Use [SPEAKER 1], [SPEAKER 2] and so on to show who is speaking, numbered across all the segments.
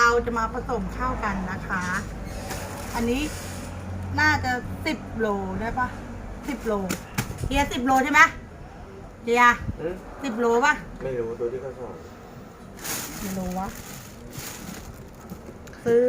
[SPEAKER 1] เราจะมาผสมเข้ากันนะคะ อันนี้น่าจะ10 โลได้ปะ10 โลเฮีย10 โลใช่ไหมเฮีย10 โลปะ
[SPEAKER 2] ไม่รู้ตัวที่เขาสอน
[SPEAKER 1] ไม่รู้วะซื้อ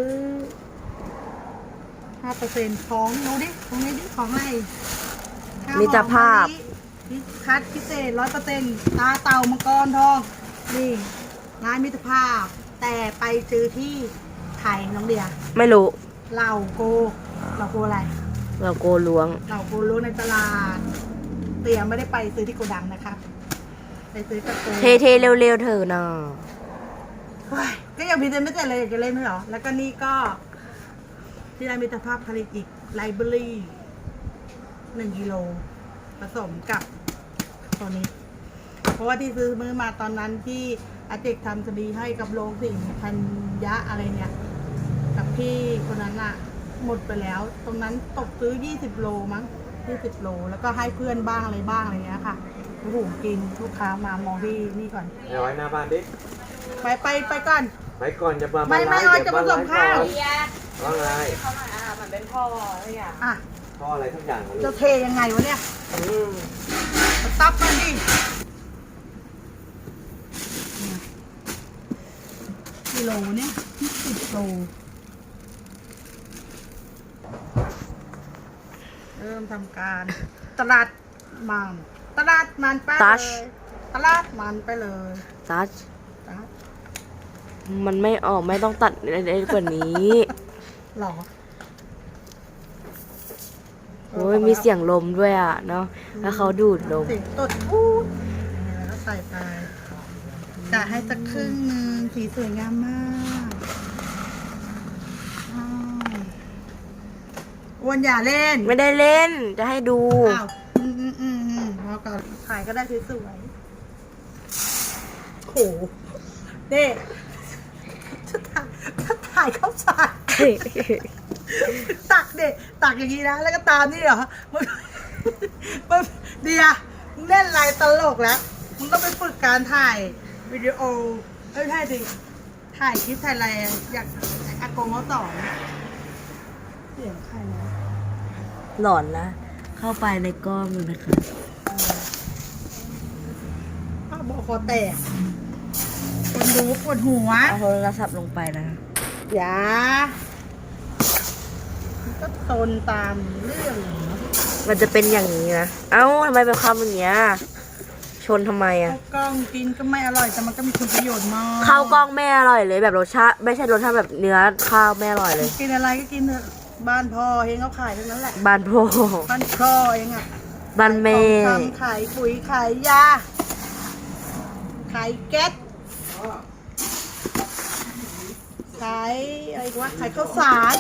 [SPEAKER 1] 5%ของดูดิตรงนี้ดิของอะไร
[SPEAKER 3] มิตรภาพ
[SPEAKER 1] คัดพิเศษ100%ตาเต่ามังกรทองนี่ร้านมิตรภาพแต่ไปซื้อที่ไทยน้องเดีย
[SPEAKER 3] ไม่รู้
[SPEAKER 1] เหล่าโกอะไร
[SPEAKER 3] เราโกล้วง
[SPEAKER 1] เหล่าโกล้วงในตลาดเตียไม่ได้ไปซื้อที่โกดังนะคะไปซื้อกับโก
[SPEAKER 3] เทเร็วๆเถอะนะ
[SPEAKER 1] ก็ยังพิจารณาไม่เสร็จเลยอยากจะเล่นด้วยเหรอแล้วก็นี่ก็ที่ร้านมิตรภาพผลิตอีกไลบรารี1 กิโลผสมกับตัวนี้เพราะว่าที่ซื้อมือมาตอนนั้นที่อาเจกทำคดีให้กับโรงสิงพันยะอะไรเนี่ยกับพี่คนนั้นอะหมดไปแล้วตรงนั้นตกซื้อ20 โลมั้ง20 โลแล้วก็ให้เพื่อนบ้างอะไรบ้างอะไรเงี้ยค่ะโอ้โหกินลูกค้ามามองที่นี่ก่อน
[SPEAKER 2] เอาไว้หน้าบ้านดิ
[SPEAKER 1] ไปก่อน
[SPEAKER 2] ไปก่อนจะมา
[SPEAKER 1] ไม่เอาจะผสมข้าว
[SPEAKER 2] ว่าไง
[SPEAKER 1] เขาหน่อยมันเป็นท่ออะไรอย่าง
[SPEAKER 2] ท่ออะไรทุกอย่าง
[SPEAKER 1] จะเทยังไงวะเนี่ยตับมันดิกิโลเนี่ย10 โลเริ่มทำการตลาดมันไปเลยตลาดมันไปเลย
[SPEAKER 3] ตัชมันไม่ออกไม่ต้องตัดอะไรกว่านี้
[SPEAKER 1] หรอ
[SPEAKER 3] โอ้ยมีเสียงลมด้วยอ่ะเนาะแล้วเขาดูดลม
[SPEAKER 1] เสียงตดพูดแล้วใส่ไปจะให้สักครึ่งนึงสีสวยงามมากวันอย่าเล่น
[SPEAKER 3] ไม่ได้เล่นจะให้ดู
[SPEAKER 1] อ้าวพอก่อนถ่ายก็ได้สวยๆโหเด็ถ้าถ่ายเข้าฉากตักอย่างนี้นะแล้วก็ตามนี่เหรอมันเดียมึงเล่นอะไรตลกแล้วมึงต้องไปฝึกการถ่ายวิดีโอไม่ใช่ดิถ่ายคลิปถ่ายอะไรอยากอากงเขาสอนเสียงใครนะ
[SPEAKER 3] หลอนนะเข้าไปในกล้องเลยนะคะ
[SPEAKER 1] บอกคอแตกคนดูปวดหัว
[SPEAKER 3] เอาโทรศัพท์ลงไปนะ
[SPEAKER 1] อย่าก็ตนตามเรื่อง
[SPEAKER 3] มันจะเป็นอย่างนี้นะเอ้าทำไมเป็นคำอย่างเงี้ยชนทำไมอ่ะ
[SPEAKER 1] กล้องกินก็ไม่อร่อยแต่มันก็มีคุณประโยชน์มาก
[SPEAKER 3] ข้าวกล้องไม่อร่อยเลยแบบรสชาติไม่ใช่รสชาติแบบเนื้อข้าวไม่อร่อยเลย
[SPEAKER 1] กินอะไรก็กินเถอะบ้านพ่อเองเขาขายทั้งนั้นแหละ
[SPEAKER 3] บ้านพ่อ
[SPEAKER 1] เองอ่ะ
[SPEAKER 3] บ้านแม่
[SPEAKER 1] ขายปุ๋ยขายยาขายแก๊สขายอะไรวะขายข้าวสาร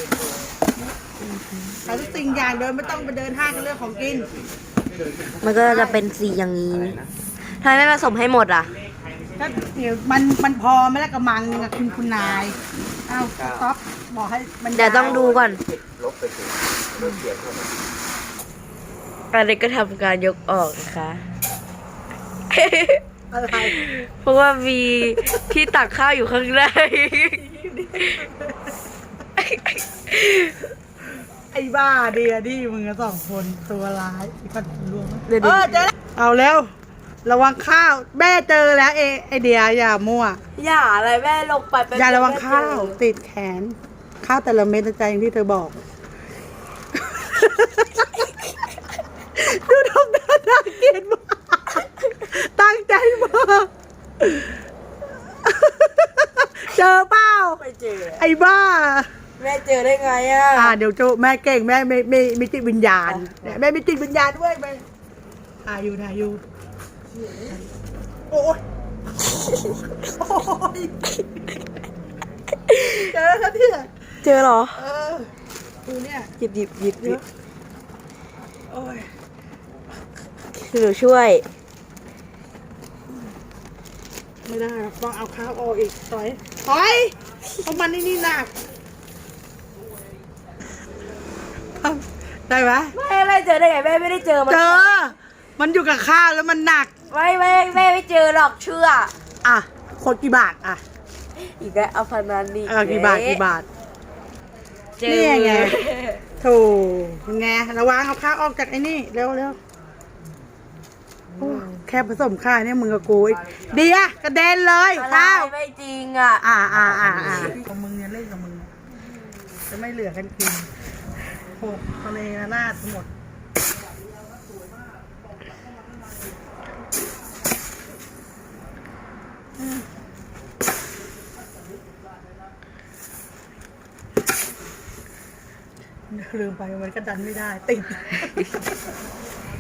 [SPEAKER 1] ขายทุกสิ่งอย่างเดินไม่ต้องไปเดินห้างกันเรื่องของกิน
[SPEAKER 3] มันก็จะเป็นสีอย่างนี้ทำไมไม่ผสมให้หมดอ่ะ
[SPEAKER 1] ก็เดี๋ยวมันพอไม่แล้วกระมังนึงอะคุณนายอ้าวต๊อปบอกให้มัน
[SPEAKER 3] เดี๋ยวต้องดูก่อน
[SPEAKER 2] ลบไปสิลบเสียงเข้ามา
[SPEAKER 3] อันนี้ก็ทำการยกออกนะคะ
[SPEAKER 1] อะไร
[SPEAKER 3] เพราะว่ามีที่ตักข้าวอยู่ข้างใน
[SPEAKER 1] ไอ้บ้าเดียดิมึง2 คนตัวร้ายกันรวมเจอแล้วเอาแล้วระวังข้าวแม่เจอแล้วไอเดียอย่ามั่ว
[SPEAKER 3] อย่าอะไรแม่ลงไป
[SPEAKER 1] อย่าระวังข้าวติดแขนข้าวแต่ละเม็ดใจอย่างที่เธอบอกดูทำหน้าน่าเกลียดมากตั้งใจมากเจอเปล่า
[SPEAKER 3] ไม่เจอ
[SPEAKER 1] ไอ้บ้า
[SPEAKER 3] แม่เจอได้ไงอ่ะ
[SPEAKER 1] เดี๋ยวโจแม่เก่งแม่ไม่มีจิตวิญญาณแม่มีจิตวิญญาณด้วยแม่ถ่ายอยู่โอ้ยเจอแล้วเนี่ย
[SPEAKER 3] เจอเหรอ
[SPEAKER 1] ดูเนี่ย
[SPEAKER 3] หยิบ
[SPEAKER 1] โอ้ย
[SPEAKER 3] หนูช่วย
[SPEAKER 1] ไม่ได้ต้องเอาข้าวออกอีกต่อยเพราะมันนี่หนักได้ไหม
[SPEAKER 3] ไม่เจอได้ไงแม่ไม่ได้เจอ
[SPEAKER 1] มันมันอยู่กับข้าวแล้วมันหนัก
[SPEAKER 3] ไม่เจอหรอกเชื่อ
[SPEAKER 1] คนกี่บาท
[SPEAKER 3] อีกแล้วเอาพนันนี่
[SPEAKER 1] กี่บาทกี่บาท
[SPEAKER 3] เจอ
[SPEAKER 1] นี่ไง ถูกไงระวังเอาข้าวออกจากไอ้นี่เร็วเร็วโอ้แค่ผสมข้าวเนี่ยมึงกับกูอีกเดียกระเด็นเลย
[SPEAKER 3] อะไร
[SPEAKER 1] ข้าว
[SPEAKER 3] ไม่จริงอ่ะ
[SPEAKER 1] ของมึงเนี่ยเล่นกับมึงจะไม่เหลือกันกินหกทะเลระนาดหมดลืมไปมันก็ดันไม่ได้ติด